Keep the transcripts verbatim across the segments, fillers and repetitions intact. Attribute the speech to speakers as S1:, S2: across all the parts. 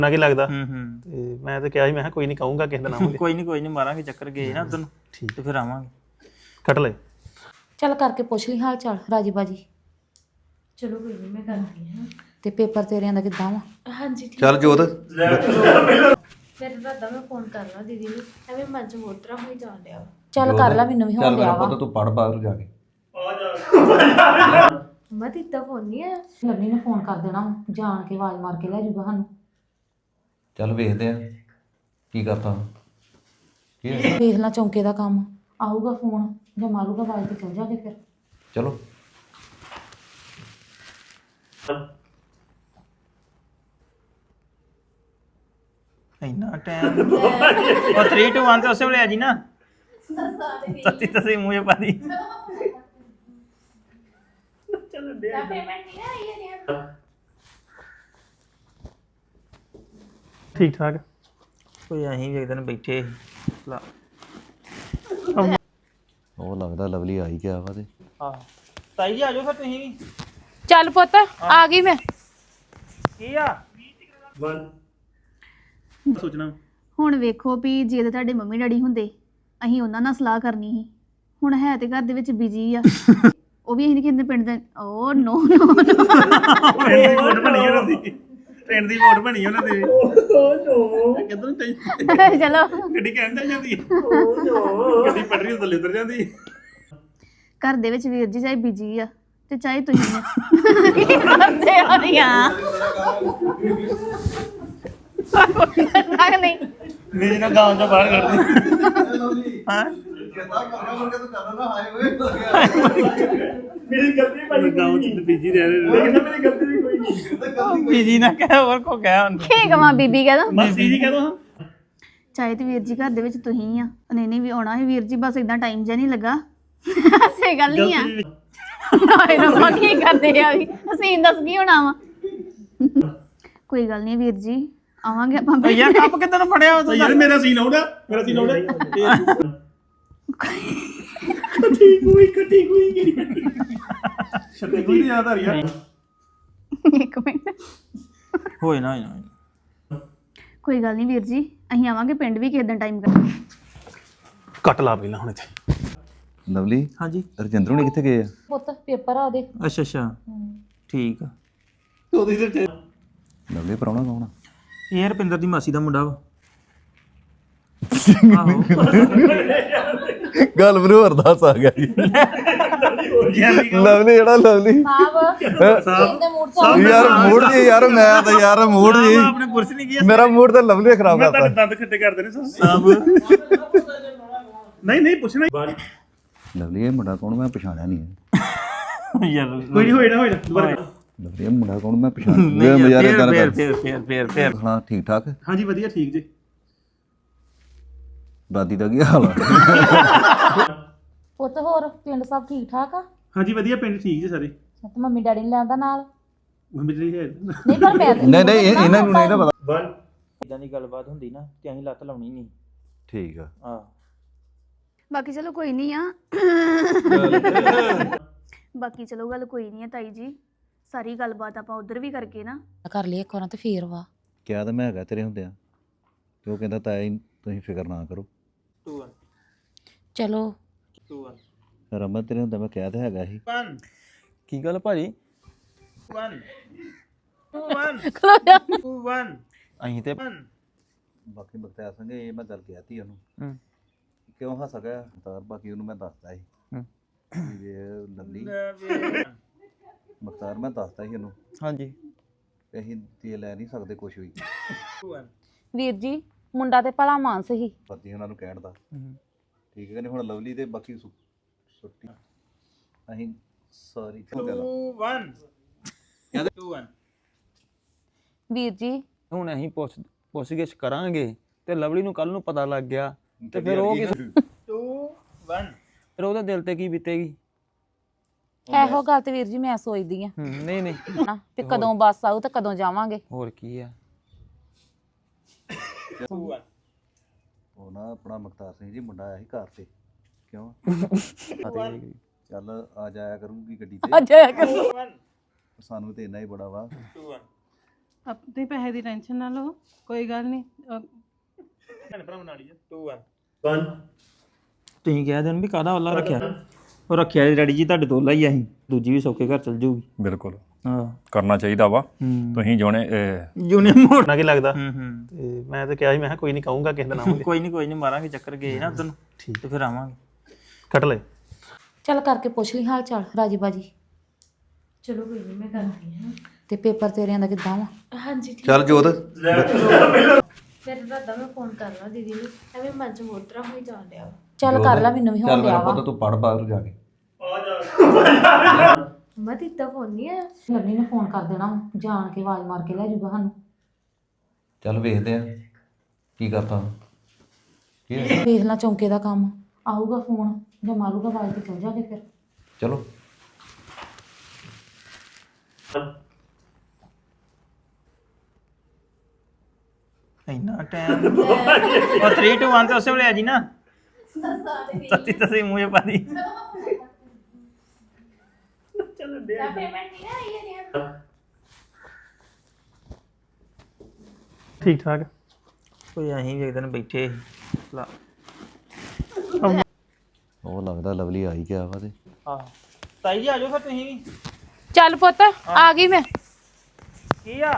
S1: ਨਾ ਕੀ ਲੱਗਦਾ
S2: ਹੂੰ ਹੂੰ
S1: ਤੇ ਮੈਂ ਤਾਂ ਕਿਹਾ ਸੀ ਮੈਂ ਕਿਹਾ ਕੋਈ ਨਹੀਂ ਕਹੂੰਗਾ ਕਿਸੇ ਦਿਨ ਆਵਾਂਗੇ
S2: ਕੋਈ ਨਹੀਂ ਕੋਈ ਨਹੀਂ ਮਾਰਾਂਗੇ ਚੱਕਰ ਗਏ ਨਾ ਉਧਰ ਨੂੰ
S1: ਠੀਕ
S2: ਤੇ ਫਿਰ ਆਵਾਂਗੇ
S1: ਕੱਟ ਲੈ
S3: ਚੱਲ ਕਰਕੇ ਪੁੱਛ ਲਈ ਹਾਲ ਚਾਲ ਰਾਜੀ ਬਾਜੀ।
S4: ਚਲੋ ਕੋਈ ਨਹੀਂ ਮੈਂ ਕਰਦੀ ਹਾਂ।
S3: ਤੇ ਪੇਪਰ ਤੇਰਿਆਂ ਦਾ ਕਿੱਦਾਂ ਵਾ?
S4: ਹਾਂਜੀ ਠੀਕ
S5: ਚੱਲ ਜੋਤ
S4: ਫਿਰ ਦਾਦਾ ਮੈਂ ਫੋਨ ਕਰਨਾ ਦੀਦੀ ਨੂੰ ਐਵੇਂ ਮਨ ਚ ਹੋਰ ਤਰ੍ਹਾਂ ਹੋਈ ਜਾਣ ਡਿਆ ਵਾ।
S3: ਚੱਲ ਕਰ ਲੈ, ਮੈਨੂੰ ਵੀ ਹੋਣ
S5: ਚੱਲ
S3: ਡਿਆ
S5: ਮੇਰਾ
S3: ਵਾ।
S5: ਪੁੱਤ ਤੂੰ ਪੜ ਬਾਹਰ ਜਾ ਕੇ
S4: ਮੈਂ ਦਿੱਤਾ ਫੋਨ ਨਹੀਂ ਆਇਆ।
S3: ਲਵਲੀ ਨੇ ਫੋਨ ਕਰ ਦੇਣਾ ਵਾ, ਜਾਣ ਕੇ ਆਵਾਜ਼ ਮਾਰ ਕੇ ਲੈ ਜਾਊਗਾ ਸਾਨੂੰ।
S5: ਚੱਲ ਵੇਖਦੇ ਆ ਕੀ ਕਰਤਾ ਕੀ ਹੈ?
S3: ਵੇਖ ਲਾ ਚੌਂਕੇ ਦਾ ਕੰਮ ਆਊਗਾ ਫੋਨ ਜਾਂ ਮਾਰੂਗਾ ਆਵਾਜ਼ ਤੇ ਚੱਲ ਜਾਗੇ ਫਿਰ।
S5: ਚਲੋ
S2: ਇੰਨਾ ਟਾਈਮ ਉਹ three two one ਤੇ ਉਸੇ ਵੇਲੇ ਆ ਜੀ ਨਾ ਤਤੀ ਤਸੀ ਮੂੰਹ ਪਾ ਦੀ
S1: ਠੀਕ ਠਾਕ
S2: ਕੋਈ ਅਸੀਂ ਵੀ ਇੱਕ ਦਿਨ ਬੈਠੇ ਲਾ
S5: ਉਹ ਲੱਗਦਾ ਲਵਲੀ ਆ ਹੀ ਗਿਆ ਵਾ ਤੇ
S2: ਆਹ ਤਾਈ ਜੀ ਆ ਜਾਓ ਫਿਰ ਤੁਸੀਂ ਵੀ
S3: ਚੱਲ ਪੁੱਤ ਆ ਗਈ ਮੈਂ।
S2: ਕੀ ਆ
S1: ਸੋਚਣਾ
S6: ਹੁਣ ਵੇਖੋ ਵੀ ਜੇ ਤਾਂ ਤੁਹਾਡੇ ਮੰਮੀ ਡੈਡੀ ਹੁੰਦੇ ਅਸੀਂ ਉਹਨਾਂ ਨਾਲ ਸਲਾਹ ਕਰਨੀ ਸੀ। ਹੁਣ ਹੈ ਤੇ ਘਰ ਦੇ ਵਿੱਚ ਬਿਜੀ ਆ ਉਹ ਵੀ ਅਸੀਂ ਨੀ ਕਹਿੰਦੇ ਪਿੰਡ ਦੇ ਓ ਨੋ ਨੋ
S1: ਪਿੰਡ ਦੀ ਵੋਟ ਬਣੀ ਉਹਨਾਂ ਦੀ ਪਿੰਡ ਦੀ ਵੋਟ ਬਣੀ ਉਹਨਾਂ ਦੀ ਕਿੱਧਰ ਤੇ
S6: ਚਲੋ
S1: ਗੱਡੀ ਕਹਿੰਦਾ ਜਾਂਦੀ ਗੱਡੀ ਪਟਰੀ ਉੱਤੇ ਉਤਰ ਜਾਂਦੀ
S6: ਘਰ ਦੇ ਵਿੱਚ ਵੀਰ ਜੀ ਚਾਹੇ ਬਿਜੀ ਆ ਤੇ ਚਾਹੇ ਤੁਸੀਂ ਆ। ਕੀ ਕਰਦੇ ਹੋ ਰੀਆਂ ਨਾ ਨਹੀਂ
S1: ਮੇਰੇ ਨਾਲ ਗਾਂਵ ਤੋਂ ਬਾਹਰ ਕੱਢ ਦੇ ਹਾਂ ਮੇਰੀ ਗਲਤੀ ਭਾਈ ਗਾਂਵ ਚ ਬੀਜੀ ਰਹਿ ਰਹੇ ਨੇ ਮੇਰੀ ਗਲਤੀ ਵੀ ਕੋਈ ਨਹੀਂ
S2: ਬੀਜੀ ਨਾ ਕਹਿ ਹੋਰ ਕੋ ਕਹਿ ਹੁਣ
S6: ਕੀ ਕਵਾਂ ਬੀਬੀ ਕਹਿ ਦੋ
S1: ਮਾਸੀ ਜੀ ਕਹਿ ਦੋ
S6: ਚਾਹੇ ਤੇ ਵੀਰ ਜੀ ਘਰ ਦੇ ਵਿੱਚ ਤੁਸੀਂ ਆ ਨਹੀਂ ਨਹੀਂ ਵੀ ਆਉਣਾ ਹੈ ਵੀਰ ਜੀ ਬਸ ਇਦਾਂ ਟਾਈਮ ਜਿਹਾ ਨਹੀਂ ਲੱਗਾ ਸੇ ਗੱਲ ਨਹੀਂ ਆ ਹਾਏ ਰੱਬਾ ਕੀ ਕਰਦੇ ਆ ਵੀ ਅਸੀਂ ਦੱਸ ਕੀ ਹੋਣਾ ਵਾ ਕੋਈ ਗੱਲ ਨਹੀਂ ਵੀਰ ਜੀ ਆਵਾਂਗੇ ਆਪਾਂ
S2: ਯਾਰ ਕੱਪ ਕਿੱਦਾਂ ਨੂੰ ਫੜਿਆ ਵਾ ਤੂੰ
S1: ਯਾਰ ਮੇਰਾ ਸੀਨ ਆਉਣਾ ਮੇਰਾ ਸੀਨ ਆਉਣਾ ਕੱਟੀ ਕੋਈ ਕੱਟੀ ਕੋਈ ਕਿਹੜੀ ਛੱਤੀ ਕੋਈ ਯਾਦ ਆ ਰਹੀ ਆ
S6: ਇੱਕ ਮਿੰਟ
S2: ਹੋਏ ਨਾ ਹੋਏ ਨਾ
S6: ਕੋਈ ਗੱਲ ਨਹੀਂ ਵੀਰ ਜੀ ਅਸੀਂ ਆਵਾਂਗੇ ਪਿੰਡ ਵੀ ਕਿਸੇ ਦਿਨ ਟਾਈਮ ਕਰ
S1: ਕੱਟ ਲਾ ਪਹਿਲਾਂ ਹੁਣ ਇੱਥੇ
S5: ਲਵਲੀ
S2: ਹਾਂਜੀ
S5: ਰਜਿੰਦਰ ਹੁਣੀ ਕਿੱਥੇ ਗਏ ਆ?
S3: ਪੁੱਤ ਪੇਪਰ ਆ ਉਹਦੇ।
S2: ਅੱਛਾ ਅੱਛਾ ਠੀਕ ਆ
S1: ਉਹਦੀ ਤੇ
S5: ਲਵਲੀ ਪ੍ਰਾਹੁਣਾ ਕੌਣ ਆ?
S2: ਇਹ ਰਪਿੰਦਰ ਦੀ ਮਾਸੀ ਦਾ ਮੁੰਡਾ ਵਾ ਆਹੋ
S5: ਗੱਲ ਮੈਨੂੰ ਅਰਦਾਸ ਆ ਗਿਆ ਜੀ ਲਵਲੀ ਜਿਹੜਾ ਲਵਲੀ
S3: ਸਾਹਿਬ ਦੇ ਮੂਡ ਤੋਂ
S5: ਯਾਰ ਮੂਡ ਜੀ ਯਾਰ ਮੈਂ ਤਾਂ ਯਾਰ ਮੂਡ ਜੀ
S1: ਆਪਣੇ ਪੁਰਸ਼ ਨਹੀਂ ਗਿਆ
S5: ਮੇਰਾ ਮੂਡ ਤਾਂ ਲਵਲੀ ਖਰਾਬ
S1: ਮੈਂ
S5: ਕਰਤਾ
S1: ਤੁਹਾਡੇ ਦੰਦ ਖੱਟੇ ਕਰਦੇ ਨੇ ਸਾਹਿਬ ਨਹੀਂ ਨਹੀਂ ਪੁੱਛਣਾ
S5: ਲਵਲੀ ਇਹ ਮੁੰਡਾ ਕੌਣ ਮੈਂ ਪਛਾਣਿਆ ਨਹੀਂ ਹੈ
S2: ਯਾਰ
S1: ਕੋਈ ਨਹੀਂ ਹੋਏਗਾ ਹੋਏਗਾ ਦੁਬਾਰਾ
S5: ਲਵਲੀ ਇਹ ਮੁੰਡਾ ਕੌਣ ਮੈਂ ਪਛਾਣਿਆ
S2: ਨਹੀਂ
S5: ਨਹੀਂ
S2: ਯਾਰ
S5: ਯਾਰ ਗੱਲ
S2: ਫੇਰ
S5: ਕਰ
S2: ਫੇਰ ਫੇਰ ਫੇਰ ਫੇਰ
S5: ਹਾਂ ਠੀਕ ਠਾਕ
S1: ਹਾਂਜੀ ਵਧੀਆ ਠੀਕ ਜੀ
S5: ਦਾਦੀ ਦਾ ਕੀ ਹਾਲ ਆ
S3: ਪੁੱਤ ਹੋਰ ਪਿੰਡ ਸਭ ਠੀਕ ਠਾਕ ਆ?
S1: ਹਾਂਜੀ ਵਧੀਆ ਪਿੰਡ ਠੀਕ ਜੀ ਸਾਰੇ
S3: ਤੇ ਮੰਮੀ ਡੈਡੀ ਨੇ ਲੈਂਦਾ ਨਾਲ?
S1: ਮੰਮੀ ਜੀ ਹੈ
S3: ਨਹੀਂ ਪਰ ਮੈਂ ਤੇ-
S5: ਨਹੀਂ ਨਹੀਂ ਇਹ- ਇਹਨਾਂ ਨੂੰ ਨਹੀਂ ਨਾ ਪਤਾ
S2: ਇਦਾਂ ਦੀ ਗੱਲਬਾਤ ਹੁੰਦੀ ਨਾ ਤੇ ਅਸੀਂ ਲੱਤ ਲਾਉਣੀ ਨਹੀਂ
S5: ਠੀਕ ਆ
S2: ਹਾਂ
S6: ਬਾਕੀ ਚਲੋ ਕੋਈ ਨਹੀਂ ਆ ਬਾਕੀ ਚਲੋ ਗੱਲ ਕੋਈ ਨਹੀਂ ਆ ਤਾਈ ਜੀ ਸਾਰੀ ਗੱਲਬਾਤ ਆਪਾਂ ਉਧਰ ਵੀ ਕਰਕੇ ਨਾ
S3: ਕਰ ਲਈ ਇੱਕ ਵਾਰ ਤੇ ਫੇਰ ਵਾ।
S5: ਕਿਹਾ ਤਾਂ ਮੈਂ ਹੈਗਾ ਤੇਰੇ ਹੁੰਦਿਆਂ ਤੇ ਉਹ ਕਹਿੰਦਾ ਤਾਇਆ ਜੀ ਤੁਸੀਂ ਫਿਕਰ ਨਾ ਕਰੋ
S2: two one
S3: ਚਲੋ
S2: two one
S5: ਰਮਨ ਤੇਰੇ ਹੁੰਦਾ ਮੈਂ ਕਿਹਾ ਤਾਂ ਹੈਗਾ ਸੀ
S2: one ਕੀ ਗੱਲ ਭਾਜੀ one two one two one
S5: ਅਸੀਂ ਤੇ
S2: one
S5: ਬਾਕੀ ਬਖਤਿਆਰ ਸਿੰਘ ਇਹ ਮੈਂ ਗੱਲ ਕਹਿਤੀ ਉਹਨੂੰ
S2: ਹੂੰ
S5: ਕਿਉਂ ਹੱਸ ਗਿਆ ਤਾਂ ਬਾਕੀ ਉਹਨੂੰ ਮੈਂ ਦੱਸਦਾ ਸੀ
S2: ਹੂੰ
S5: ਵੀ ਇਹ ਲਵਲੀ ਬਖਤਾਰ ਮੈਂ ਦੱਸਦਾ ਸੀ ਉਹਨੂੰ
S2: ਹਾਂਜੀ
S5: ਵੀ ਅਸੀਂ ਦੇ ਲੈ ਨਹੀਂ ਸਕਦੇ ਕੁਝ ਵੀ
S2: two one
S3: ਵੀਰ ਜੀ ਮੁੰਡਾ ਤੇ ਭਲਾ ਮਾਨਸ ਹੀ
S5: ਪਤੀ ਉਹਨਾਂ ਨੂੰ ਕਹਿਣ ਦਾ
S2: ਹੂੰ
S5: ਠੀਕ ਹੈ ਕਿ ਨਹੀਂ ਹੁਣ ਲਵਲੀ ਤੇ ਬਾਕੀ ਸੁ- ਸੁੱਟੀ ਅਸੀਂ ਸੌਰੀ ਚਲੋ ਗੱਲ
S2: two one ਕਹਿੰਦੇ two one
S3: ਵੀਰ ਜੀ
S7: ਹੁਣ ਅਸੀਂ ਪੁੱਛ ਪੁੱਛਗਿੱਛ ਕਰਾਂਗੇ ਤੇ ਲਵਲੀ ਨੂੰ ਕੱਲ ਨੂੰ ਪਤਾ ਲੱਗ ਗਿਆ ਤੇ ਫਿਰ ਉਹ ਕਿਸ
S2: two one
S7: ਫਿਰ ਉਹਦੇ ਦਿਲ ਤੇ ਕੀ ਬੀਤੇਗੀ?
S3: ਇਹੋ ਗੱਲ ਤੇ ਵੀਰ ਜੀ ਮੈਂ ਸੋਚਦੀ ਆ
S7: ਹੂੰ ਨਹੀਂ ਨਹੀਂ
S3: ਹਨਾ ਤੇ ਕਦੋਂ ਬੱਸ ਆਊ ਤੇ ਕਦੋਂ ਜਾਵਾਂਗੇ।
S7: ਹੋਰ ਕੀ ਆ
S2: two one
S5: ਉਹ ਨਾ ਆਪਣਾ ਮੁਖਤਾਰ ਸਿੰਘ ਜੀ ਮੁੰਡਾ ਆਇਆ ਸੀ ਘਰ ਤੇ ਕਿਉਂ ਚੱਲ ਆ ਜਾਇਆ ਕਰੂਗੀ ਗੱਡੀ ਤੇ
S3: ਅੱਛਾ
S2: two one
S5: ਸਾਨੂੰ ਤੇ ਇੰਨਾ ਹੀ ਬੜਾ ਵਾ
S2: two one
S8: ਆਪਣੇ ਪੈਸੇ ਦੀ ਟੈਨਸ਼ਨ ਨਾ ਲਓ, ਕੋਈ ਗੱਲ ਨਹੀਂ।
S2: ਤੁਸੀਂ ਕਹਿ ਦੇਣ ਵੀ ਕਾਹਦਾ ਵੱਲਾ ਰੱਖਿਆ ਉਹ ਰੱਖਿਆ ਜੀ ਡੈਡੀ ਜੀ ਤੁਹਾਡੇ ਤੋਂ ਹੀ ਅਸੀਂ ਦੂਜੀ ਵੀ ਸੌਕੇ ਘਰ ਚਲ ਜਾਊਗੀ
S9: ਬਿਲਕੁਲ
S2: ਹਾਂ
S9: ਕਰਨਾ ਚਾਹੀਦਾ ਵਾ
S2: ਹੂੰ
S9: ਤੁਸੀਂ ਜੋਨੇ
S2: ਜੂਨੇ ਮੋੜ
S1: ਨਾ ਕੀ ਲੱਗਦਾ
S2: ਹੂੰ ਹੂੰ
S1: ਤੇ ਮੈਂ ਤਾਂ ਕਿਹਾ ਸੀ ਮੈਂ ਕਿਹਾ ਕੋਈ ਨਹੀਂ ਕਹੂੰਗਾ ਕਿਸੇ ਦਾ ਨਾਮ
S2: ਕੋਈ ਨਹੀਂ ਕੋਈ ਨਹੀਂ ਮਾਰਾਂਗੇ ਚੱਕਰ ਗਏ ਨਾ ਉਦੋਂ ਠੀਕ ਤੇ ਫਿਰ ਆਵਾਂਗੇ
S1: ਕੱਟ ਲੈ
S3: ਚੱਲ ਕਰਕੇ ਪੁੱਛ ਲਈ ਹਾਲ ਚਾਲ ਰਾਜੀ ਬਾਜੀ।
S4: ਚਲੋ ਕੋਈ ਨਹੀਂ ਮੈਂ ਕਰਦੀ ਹਾਂ।
S3: ਤੇ ਪੇਪਰ ਤੇਰਿਆਂ ਦਾ ਕਿੱਦਾਂ ਵਾ?
S4: ਹਾਂਜੀ ਠੀਕ।
S5: ਚੱਲ ਜੋਤ
S4: ਫਿਰ ਦਾਦਾ ਮੈਂ ਫੋਨ ਕਰਨਾ ਦੀਦੀ ਨੂੰ, ਐਵੇਂ ਮਨ ਚ ਹੋਰ ਤਰ੍ਹਾਂ ਹੋਈ ਜਾਣ ਡਿਆ ਵਾ।
S3: ਚੱਲ ਕਰ ਲੈ, ਮੈਨੂੰ ਵੀ
S5: ਚੱਲ
S3: ਹੋਣ
S5: ਮੇਰਾ
S3: ਡਿਆ ਵਾ।
S5: ਪੁੱਤ ਤੂੰ ਪੜ ਬਾਹਰ ਜਾ ਕੇ
S4: ਮੈਂ ਦਿੱਤਾ ਫੋਨ ਨਹੀਂ ਆਇਆ।
S3: ਲਵਲੀ ਨੇ ਫੋਨ ਕਰ ਦੇਣਾ ਵਾ, ਜਾਣ ਕੇ ਆਵਾਜ਼ ਮਾਰ ਕੇ ਲੈ ਜਾਊਗਾ ਸਾਨੂੰ।
S5: ਚੱਲ ਵੇਖਦੇ ਆ ਕੀ ਕਰਤਾ ਕੀ ਹੈ?
S3: ਵੇਖ ਲਾ ਚੌਂਕੇ ਦਾ ਕੰਮ ਆਊਗਾ ਫੋਨ ਜਾਂ ਮਾਰੂਗਾ ਆਵਾਜ਼ ਤੇ ਚੱਲ ਜਾਗੇ ਫਿਰ।
S5: ਚਲੋ
S2: ਇੰਨਾ ਟਾਈਮ ਉਹ three two one ਤੇ ਉਸੇ ਵੇਲੇ ਆ ਜੀ ਨਾ ਤਤੀ ਤਸੀ ਮੂੰਹ ਪਾ ਦੀ
S1: ਠੀਕ ਠਾਕ
S2: ਕੋਈ ਅਸੀਂ ਵੀ ਇੱਕ ਦਿਨ ਬੈਠੇ ਸੀ। ਲਾ
S5: ਉਹ ਲੱਗਦਾ ਲਵਲੀ ਆ ਹੀ ਗਿਆ ਵਾ ਤੇ
S2: ਹਾਂ ਤਾਈ ਜੀ ਆ ਜਾਓ ਫਿਰ ਤੁਸੀਂ ਵੀ
S8: ਚੱਲ ਪੁੱਤ ਆ ਗਈ ਮੈਂ।
S2: ਕੀ ਆ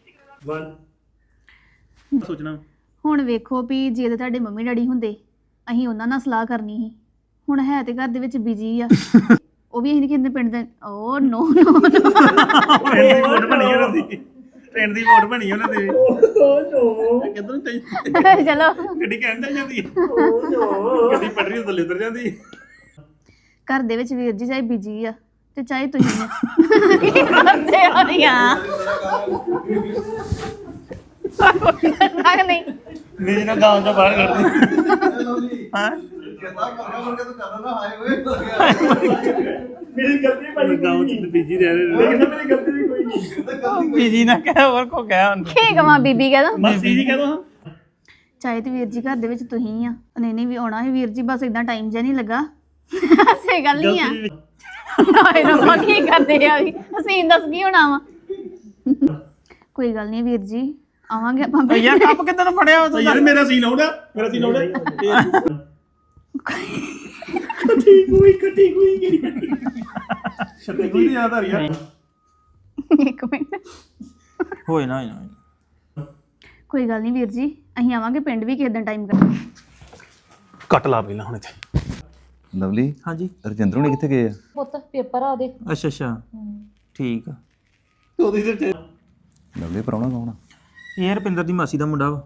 S1: ਸੋਚਣਾ
S6: ਹੁਣ ਵੇਖੋ ਵੀ ਜੇ ਤਾਂ ਤੁਹਾਡੇ ਮੰਮੀ ਡੈਡੀ ਹੁੰਦੇ ਅਸੀਂ ਉਹਨਾਂ ਨਾਲ ਸਲਾਹ ਕਰਨੀ ਸੀ। ਹੁਣ ਹੈ ਤੇ ਘਰ ਦੇ ਵਿੱਚ ਬਿਜੀ ਆ ਉਹ ਵੀ ਅਸੀਂ ਕਹਿੰਦੇ ਪਿੰਡ ਦੇ ਓ ਨੋ ਨੋ
S1: ਪਿੰਡ ਦੀ ਵੋਟ ਬਣੀ ਉਹਨਾਂ ਦੀ ਪਿੰਡ ਦੀ ਵੋਟ ਬਣੀ ਉਹਨਾਂ ਦੀ ਕਿੱਧਰ ਨੂੰ ਚਾਹੀਦੀ
S6: ਚਲੋ
S1: ਗੱਡੀ ਕਹਿਣ ਤੇ ਜਾਂਦੀ ਗੱਡੀ ਪਟਰੀ ਥੱਲੇ ਉਤਰ ਜਾਂਦੀ
S6: ਘਰ ਦੇ ਵਿੱਚ ਵੀਰ ਜੀ ਚਾਹੇ ਬਿਜੀ ਆ ਤੇ ਚਾਹੇ ਤੁਸੀਂ ਆ। ਕੀ ਕਰਦੇ ਹੋ ਯਾਰ ਲੱਗ ਨਹੀਂ
S1: ਮੇਰੇ ਨਾਲ ਗਾਂਵ ਤੋਂ ਬਾਹਰ ਕੱਢ ਦੇ
S2: ਹਾਂ
S1: ਮੇਰੀ ਗਲਤੀ ਭਾਈ ਗਾਂਵ ਚ ਬੀਜੀ ਰਹਿ ਰਹੇ ਲੇਕਿਨ ਮੇਰੀ ਗਲਤੀ ਵੀ ਕੋਈ ਨਹੀਂ
S2: ਬੀਜੀ ਨਾ ਕਹਿ ਹੋਰ ਕੋ ਕਹਿ ਹੁਣ
S6: ਕੀ ਕਵਾਂ ਬੀਬੀ ਕਹਦਾ
S1: ਮਾਸੀ ਜੀ ਕਹਦੋ
S6: ਚਾਹੇ ਤੇ ਵੀਰ ਜੀ ਘਰ ਦੇ ਵਿੱਚ ਤੁਸੀਂ ਆ ਨਹੀਂ ਨਹੀਂ ਵੀ ਆਉਣਾ ਹੈ ਵੀਰ ਜੀ ਬਸ ਇਦਾਂ ਟਾਈਮ ਜਿਹਾ ਨਹੀਂ ਲੱਗਾ ਸੇ ਗੱਲ ਨਹੀਂ ਆ ਹਾਏ ਰੱਬਾ ਕੀ ਕਰਦੇ ਆ ਵੀ ਅਸੀਂ ਦੱਸ ਕੀ ਹੋਣਾ ਵਾ ਕੋਈ ਗੱਲ ਨਹੀਂ ਵੀਰ ਜੀ ਆਵਾਂਗੇ ਆਪਾਂ
S2: ਓ ਯਾਰ ਕੱਪ ਕਿੱਦਾਂ ਨੂੰ ਫੜਿਆ ਤੂੰ
S1: ਯਾਰ ਮੇਰਾ ਸੀਨ ਆਉਣਾ ਮੇਰਾ ਸੀਨ ਆਉਣਾ ਕੱਟੀ ਕੋਈ ਕੱਟੀ ਕੋਈ ਕਿਹੜੀ ਛੱਤੀ ਕੋਈ ਦੀ ਯਾਦ ਆ ਰਹੀ ਆ
S6: ਇੱਕ ਮਿੰਟ
S2: ਹੋਏ ਨਾ ਹੋਏ ਨਾ
S6: ਕੋਈ ਗੱਲ ਨਹੀਂ ਵੀਰ ਜੀ ਅਸੀਂ ਆਵਾਂਗੇ ਪਿੰਡ ਵੀ ਕਿਸੇ ਦਿਨ ਟਾਈਮ ਕਰ
S1: ਕੱਟ ਲਾ ਪਹਿਲਾਂ ਹੁਣ ਇੱਥੇ
S5: ਲਵਲੀ
S2: ਹਾਂਜੀ
S5: ਰਜਿੰਦਰ ਹੁਣੀ ਕਿੱਥੇ ਗਏ ਆ?
S3: ਪੁੱਤ ਪੇਪਰ ਆ ਉਹਦੇ।
S2: ਅੱਛਾ ਅੱਛਾ ਠੀਕ ਆ
S1: ਉਹਦੀ ਤੇ
S5: ਲਵਲੀ ਪ੍ਰਾਹੁਣਾ ਕੌਣ ਆ?
S2: ਇਹ ਰੁਪਿੰਦਰ ਦੀ ਮਾਸੀ ਦਾ ਮੁੰਡਾ ਵਾ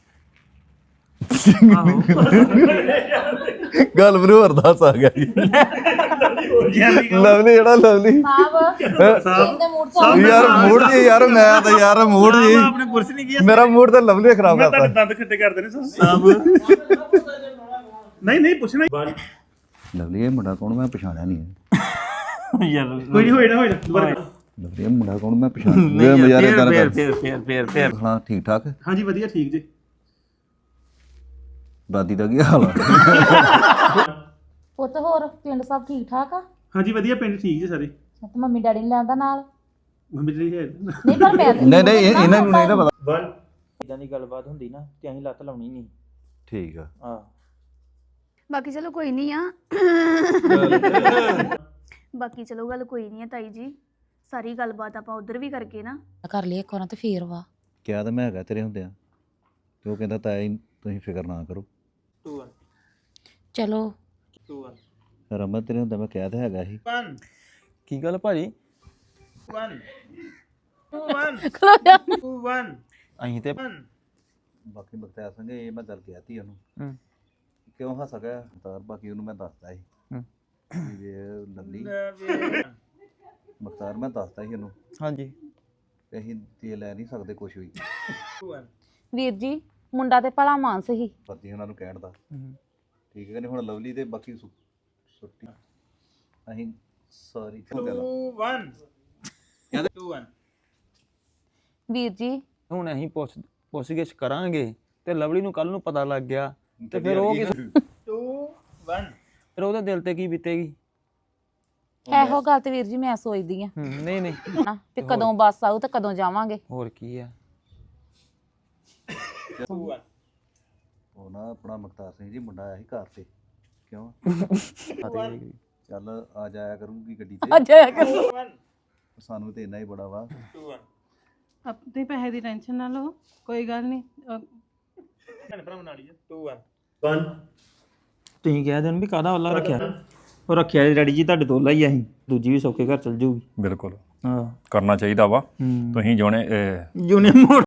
S2: ਆਹੋ
S5: ਗੱਲ ਮੈਨੂੰ ਅਰਦਾਸ ਆ ਗਿਆ ਜੀ ਲਵਲੀ ਜਿਹੜਾ ਲਵਲੀ
S3: ਸਾਹਿਬ ਦੇ ਮੂਡ ਚ
S5: ਯਾਰ ਮੂਡ ਜੀ ਯਾਰ ਮੈਂ ਤਾਂ ਯਾਰ ਮੂਡ ਜੀ
S2: ਆਪਣੇ ਪੁਰਸ਼ ਨਹੀਂ ਗਿਆ
S5: ਮੇਰਾ ਮੂਡ ਤਾਂ ਲਵਲੀ ਨੇ ਖਰਾਬ
S1: ਮੈਂ
S5: ਕਰਤਾ
S1: ਤੁਹਾਡੇ ਦੰਦ ਖੱਟੇ ਕਰਦੇ ਨੇ ਸਾਬ ਨਹੀਂ ਨਹੀਂ ਪੁੱਛਣਾ
S5: ਲਵਲੀ ਇਹ ਮੁੰਡਾ ਕੌਣ ਮੈਂ ਪਛਾਣਿਆ ਨਹੀਂ ਹੈ
S2: ਯਾਰ
S1: ਕੋਈ ਨਹੀਂ ਹੋਏਗਾ ਹੋਏਗਾ ਦੁਬਾਰਾ
S5: ਲਵਲੀ ਇਹ ਮੁੰਡਾ ਕੌਣ ਮੈਂ ਪਛਾਣ
S2: ਨਹੀਂ
S5: ਯਾਰ
S2: ਯਾਰ
S5: ਇਦਾਂ
S2: ਫੇਰ
S5: ਕਰ
S2: ਫੇਰ ਫੇਰ ਫੇਰ ਫੇਰ
S5: ਹਾਂ ਠੀਕ ਠਾਕ
S1: ਹਾਂਜੀ ਵਧੀਆ ਠੀਕ ਜੀ
S5: ਦਾਦੀ ਦਾ ਕੀ ਹਾਲ ਆ
S3: ਪੁੱਤ ਹੋਰ ਪਿੰਡ ਸਭ ਠੀਕ ਠਾਕ ਆ?
S1: ਹਾਂਜੀ ਵਧੀਆ ਪਿੰਡ ਠੀਕ ਜੀ ਸਾਰੇ
S3: ਤੇ ਮੰਮੀ ਡੈਡੀ ਨੇ ਲੈਂਦਾ ਨਾਲ?
S1: ਮੰਮੀ ਜੀ ਹੈ
S3: ਨਹੀਂ ਪਰ ਮੈਂ
S5: ਨਹੀਂ ਨਹੀਂ ਇਹ- ਇਹਨਾਂ ਨੂੰ ਨਹੀਂ ਨਾ ਪਤਾ
S2: ਇਦਾਂ ਦੀ ਗੱਲਬਾਤ ਹੁੰਦੀ ਨਾ ਤੇ ਅਸੀਂ ਲੱਤ ਲਾਉਣੀ ਨਹੀਂ
S5: ਠੀਕ ਆ
S2: ਹਾਂ
S6: ਬਾਕੀ ਚਲੋ ਕੋਈ ਨਹੀਂ ਆ ਬਾਕੀ ਚਲੋ ਗੱਲ ਕੋਈ ਨਹੀਂ ਆ ਤਾਈ ਜੀ ਸਾਰੀ ਗੱਲਬਾਤ ਆਪਾਂ ਉਧਰ ਵੀ ਕਰਕੇ ਨਾ
S3: ਕਰ ਲਈ ਇੱਕ ਵਾਰ ਤੇ ਫੇਰ ਵਾ।
S5: ਕਿਹਾ ਤਾਂ ਮੈਂ ਹੈਗਾ ਤੇਰੇ ਹੁੰਦਿਆਂ ਤੇ ਉਹ ਕਹਿੰਦਾ ਤਾਇਆ ਜੀ ਤੁਸੀਂ ਫਿਕਰ ਨਾ ਕਰੋ
S2: two one
S3: ਚਲੋ
S2: two one
S5: ਰਮਨ ਤੇਰੇ ਹੁੰਦਾ ਮੈਂ ਕਿਹਾ ਤਾਂ ਹੈਗਾ ਸੀ
S2: one
S7: ਕੀ ਗੱਲ ਭਾਜੀ?
S2: one two one two one
S7: ਅਸੀਂ ਤੇ
S2: one
S5: ਬਾਕੀ ਬਖਤਿਆਰ ਸਿੰਘ ਇਹ ਮੈਂ ਗੱਲ ਕਹਿਤੀ ਉਹਨੂੰ
S7: ਹੂੰ।
S5: ਕਿਉਂ ਹੱਸ ਗਿਆ ਤਾਰ ਬਾਕੀ ਉਹਨੂੰ ਮੈਂ ਦੱਸਤਾ ਸੀ
S7: ਹੂੰ।
S5: ਵੀ ਇਹ ਲੱਲੀ ਬਖਤਾਰ ਮੈਂ ਦੱਸਤਾ ਸੀ ਉਹਨੂੰ
S7: ਹਾਂਜੀ
S5: ਕਿ ਅਸੀਂ ਦੇ ਲੈ ਨਹੀਂ ਸਕਦੇ ਕੁਝ ਵੀ
S2: two one
S3: ਵੀਰ ਜੀ ਮੁੰਡਾ ਤੇ ਭਲਾ ਮਾਨਸ ਹੀ।
S5: ਪਤੀ ਉਹਨਾਂ ਨੂੰ ਕਹਿਣ ਦਾ
S7: ਹੂੰ।
S5: ਠੀਕ ਹੈ ਕਿ ਨਹੀਂ ਹੁਣ ਲਵਲੀ ਤੇ ਬਾਕੀ ਸੁ- ਸੁੱਟੀ ਅਸੀਂ ਸਾਰੀ ਗੱਲ
S2: two one ਕਹਿੰਦੇ two one
S3: ਵੀਰ ਜੀ
S7: ਹੁਣ ਅਸੀਂ ਪੁੱਛ ਪੁੱਛਗਿੱਛ ਕਰਾਂਗੇ ਤੇ ਲਵਲੀ ਨੂੰ ਕੱਲ ਨੂੰ ਪਤਾ ਲੱਗ ਗਿਆ ਤੇ ਫਿਰ ਉਹ ਕਿਸ
S2: two one
S7: ਫਿਰ ਉਹਦੇ ਦਿਲ ਤੇ ਕੀ ਬੀਤੇਗੀ?
S3: ਇਹੋ ਗੱਲ ਤੇ ਵੀਰ ਜੀ ਮੈਂ ਸੋਚਦੀ ਆ
S7: ਹੂੰ, ਨਹੀਂ ਨਹੀਂ
S3: ਨਾ ਵੀ ਕਦੋਂ ਬੱਸ ਆਊ ਤੇ ਕਦੋਂ ਜਾਵਾਂਗੇ।
S7: ਹੋਰ ਕੀ ਆ
S5: ਉਹ ਨਾ ਆਪਣਾ ਮੁਖਤਾਰ ਸਿੰਘ ਜੀ ਮੁੰਡਾ ਆਇਆ ਸੀ ਘਰ ਤੇ ਕਿਉਂ ਚੱਲ ਆ ਜਾਇਆ ਕਰੂਗੀ ਗੱਡੀ ਤੇ
S3: ਜਾਇਆ ਕਰੋ।
S5: ਸਾਨੂੰ ਤੇ ਇੰਨਾ ਹੀ ਬੜਾ ਵਾ
S8: ਆਪਣੇ ਪੈਸੇ ਦੀ ਟੈਨਸ਼ਨ ਨਾ ਲਓ, ਕੋਈ ਗੱਲ ਨਹੀਂ। ਅਹ
S2: ਤੁਸੀਂ ਕਹਿ ਦੇਣ ਵੀ ਕਾਹਦਾ ਵੱਲਾ ਰੱਖਿਆ ਉਹ ਰੱਖਿਆ ਜੀ ਡੈਡੀ ਜੀ ਤੁਹਾਡੇ ਤੋਂ ਹੀ ਅਸੀਂ ਦੂਜੀ ਵੀ ਸੌਕੇ ਘਰ ਚਲ ਜਾਊਗੀ
S9: ਬਿਲਕੁਲ
S2: ਹਾਂ
S9: ਕਰਨਾ ਚਾਹੀਦਾ ਵਾ
S2: ਹੂੰ
S9: ਤੁਸੀਂ ਜੋਨੇ
S2: ਯੂਨੀਅਨ ਮੋੜ